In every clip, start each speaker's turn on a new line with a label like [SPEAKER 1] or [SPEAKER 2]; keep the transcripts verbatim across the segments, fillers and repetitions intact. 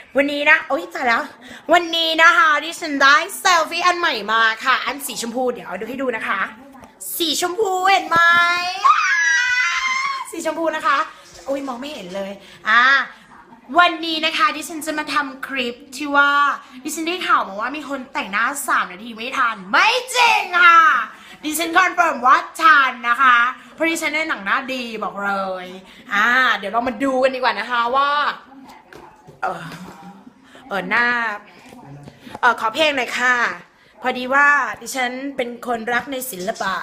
[SPEAKER 1] วันนี้นะโอ๊ยตายแล้ววันนี้นะคะดิฉันได้เซลฟี่อันใหม่มาค่ะอันสีชมพูเดี๋ยวเอาดูให้ดูนะคะ สีชมพูเห็นไหมสีชมพูนะคะอุ้ยมองไม่เห็นเลยอ่าวันนี้นะคะดิฉันจะมาทำคลิปที่ว่าดิฉันได้ข่าวมาว่ามีคนแต่งหน้าสามนาทีไม่ทันไม่จริงค่ะดิฉันคอนเฟิร์มว่าทันนะคะเพราะดิฉันได้หนังหน้าดีบอกเลยอ่าเดี๋ยวเรามาดูกันดีกว่านะคะว่าเออเออหน้าเออขอเพลงหน่อยค่ะพอดีว่าดิฉันเป็นคนรักในศิลปะ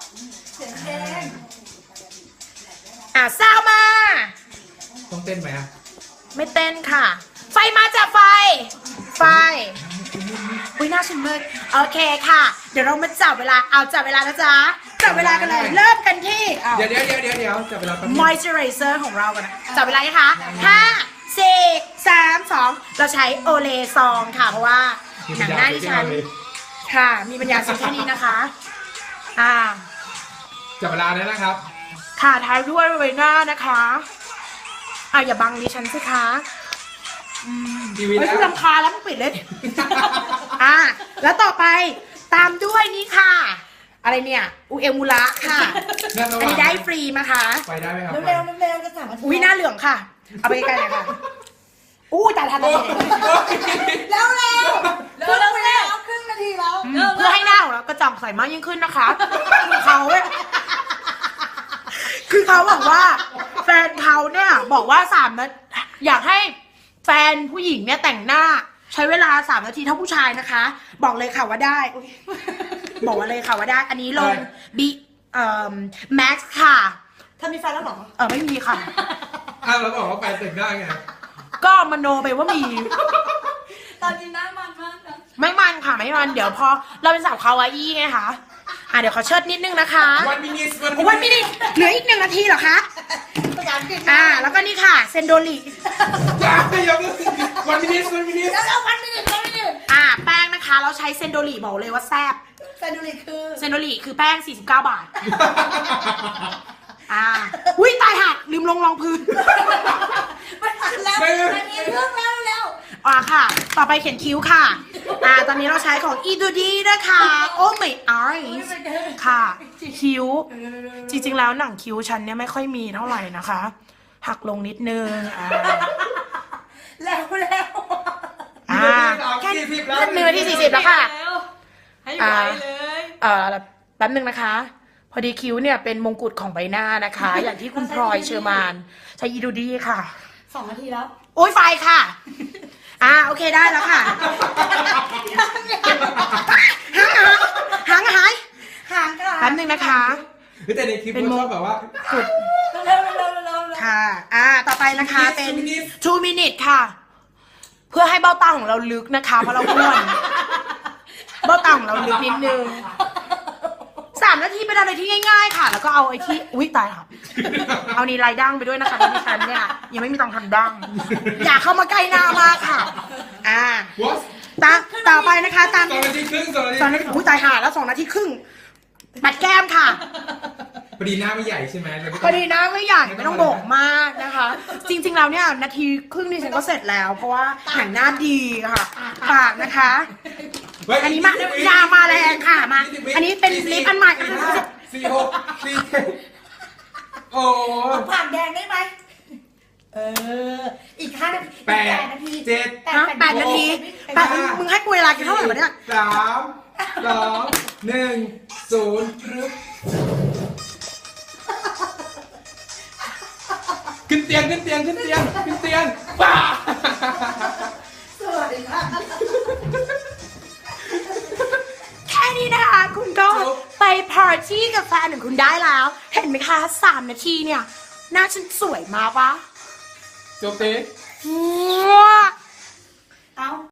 [SPEAKER 1] อ่ะซาวมา
[SPEAKER 2] ต้องเต้นไหมอ่ะ
[SPEAKER 1] ไม่เต้นค่ะไฟมาจากไฟไฟอุ้ยหน้าฉันมืดโอเคค่ะเดี๋ยวเรามาจับเวลาเอาจับเวลานะจ๊ะจับเวลากันเลยเริ่มกันที่
[SPEAKER 2] เดี๋ยวเดี๋ยวเดี๋ยวเดี๋ยวเดี๋ยวจับเวลากัน
[SPEAKER 1] moisturizer ของเรากันนะจับเวลานะคะห้าสี่สามสองเราใช้โอเลซองค่ะเพราะว่าหนังหน้าที่ฉันค่ะมีปัญญาซื้อแค่นี้นะคะอ่า
[SPEAKER 2] จับเวลาเลยนะครับ
[SPEAKER 1] ค่ะท้ายด้วยใบหน้านะคะอ่ะอย่าบังดิฉันสิคะ
[SPEAKER 2] ทีวี
[SPEAKER 1] ไม่
[SPEAKER 2] แล้ว
[SPEAKER 1] ต้องรำคาญแล้วมึงปิดเลยอ่ะแล้วต่อไปตามด้วยนี่ค่ะ อะไรเนี่ยอูเอมูระค่ะอันนี้ได้ฟรีมาค่ะ
[SPEAKER 2] ไปได้ไหมครับ
[SPEAKER 3] เร็วๆเร็วๆจะสั่ง
[SPEAKER 1] อุ้ยหน้าเหลืองค่ะเอาไปใกล้ๆเลยค่ะอู้แต่ทันเลย
[SPEAKER 3] เร็วๆเร็วๆเร็วๆครึ่งนาทีแล้ว
[SPEAKER 1] เพื่อให้หน้าของเรากระจ่างใสมากยิ่งขึ้นนะคะคือเขาคือเขาบอกว่าแฟนเขาเนี่ยบอกว่าสามนาทีอยากให้แฟนผู้หญิงเนี่ยแต่งหน้าใช้เวลาสามนาทีเท่าผู้ชายนะคะบอกเลยค่ะว่าได้บอกว่าเลยค่ะว่าได้อันนี้ลงบีเอ่อแม็กซ์ค่ะ
[SPEAKER 3] ถ้ามีแฟนแล้วหรอ
[SPEAKER 1] เออไม่มีค่ะ
[SPEAKER 2] อ้าวแล้วบอกว่าแฟนแต่งหน้าไง
[SPEAKER 1] ก็มโนไปว่ามี
[SPEAKER 3] ตอนนี้หน้ามันมากนะ
[SPEAKER 1] ไม่มันค่ะไม่มันเดี๋ยวพอเราเป็นสาวคาวาอี้ไงคะอ่ะเดี๋ยวขอเชิดนิดนึงนะคะ
[SPEAKER 2] วันมินิ
[SPEAKER 1] วันมินิเหลืออีกหนึ่งนาทีเหรอคะอ่าแล้วก็นี่ค่ะเซนโดริ
[SPEAKER 2] อย่าอย่าวันมินิวันมินิ
[SPEAKER 3] แล้ววันมินิวันมินิ
[SPEAKER 1] อ่าแป้งนะคะเราใช้เซนโดริบอกเลยว่าแซ่บ
[SPEAKER 3] เซนโดริคือ
[SPEAKER 1] เซนโดริคือแป้งสี่สิบเก้าบาทอ่าอุ้ยตายหักลืมลงรองพื้น
[SPEAKER 3] ไม่ทันแล้วอันนี้เรื่องแล้วแล้ว
[SPEAKER 1] อ่าค่ะต่อไปเขียนคิ้วค่ะอ่าตอนนี้เราใช้ของอีดูดีนะคะโอ้ไม่ไอค่ะคิ้วจริงๆแล้วหนังคิ้วฉันเนี่ยไม่ค่อยมีเท่าไหร่นะคะหักลงนิดนึงอ่า
[SPEAKER 3] แล้วแล้ว
[SPEAKER 1] อ่าแค่หนึ่งนาทีสี่สิบแล้วค่ะ
[SPEAKER 3] ให้ไวเลย
[SPEAKER 1] เอ่อแป๊บนึงนะคะพอดีคิ้วเนี่ยเป็นมงกุฎของใบหน้านะคะอย่างที่คุณพลอยเชอร์มานใช้อีดูดีค่ะ
[SPEAKER 3] สองนาทีแล้ว
[SPEAKER 1] โอ้ยไฟค่ะอ่าโอเคได้แล้วค่ะหางหาย
[SPEAKER 3] หางค่ะ
[SPEAKER 1] แป๊บนึงนะคะ
[SPEAKER 2] แต่ในคลิปมันชอบแบบว่า
[SPEAKER 1] สุด
[SPEAKER 3] เร็วเร็วเร็ว
[SPEAKER 1] ค่ะอ่าต่อไปนะคะเป็น two minutes ค่ะ เพื่อให้เบ้าตาของเราลึกนะคะเพราะเราอ้วนเบ้าตาของเราลึกนิดนึงสามนาทีเป็นอะไรที่ง่ายๆค่ะแล้วก็เอาไอ้ที่อุ้ยตายค่ะเอานี่ลายดั้งไปด้วยนะคะที่ฉันเนี่ยยังไม่มีตังค์ทำดั้งอย่าเข้ามาใกล้หน้ามากค่ะอ่าตาต่อไปนะคะตาม
[SPEAKER 2] สองนาทีครึ่งสองนาที
[SPEAKER 1] สองนาทีอุ้ยตายห่าแล้วสองนาทีครึ่งปัดแก้มค่ะ
[SPEAKER 2] พอดีหน้าไม่ใหญ่ใช่ไหม
[SPEAKER 1] พอดีหน้าไม่ใหญ่ไม่ต้องโบกมากนะคะจริงๆแล้วเนี่ยนาทีครึ่งนี่ฉันก็เสร็จแล้วเพราะว่าหนังหน้าดีค่ะปากนะคะอันนี้มายามาแรงค่ะมาอันนี้เป็นลิปอันใหม่
[SPEAKER 2] สี่หกสี่เจ็ดโอ้
[SPEAKER 3] ผ่านแดงได้ไหมเอออีกห้านาที
[SPEAKER 2] แปดนาทีเจ็ด
[SPEAKER 1] แปดนาทีแปดมึงให้กูเวลากินเท่าไหร่วะเนี่ย
[SPEAKER 2] สามสองหนึ่งศูนย์ขึ้นเตียงขึ้นเตียงขึ้นเตียงขึ้นเตียงป้า
[SPEAKER 3] สวัสดีค่ะ
[SPEAKER 1] แค่นี้นะคะคุณก็ไปปาร์ตี้กับแฟนของคุณได้แล้วเห็นไหมคะสามนาทีเนี่ยหน้าฉันสวยมากปะ
[SPEAKER 2] จบเต้
[SPEAKER 1] ว้า
[SPEAKER 3] เอา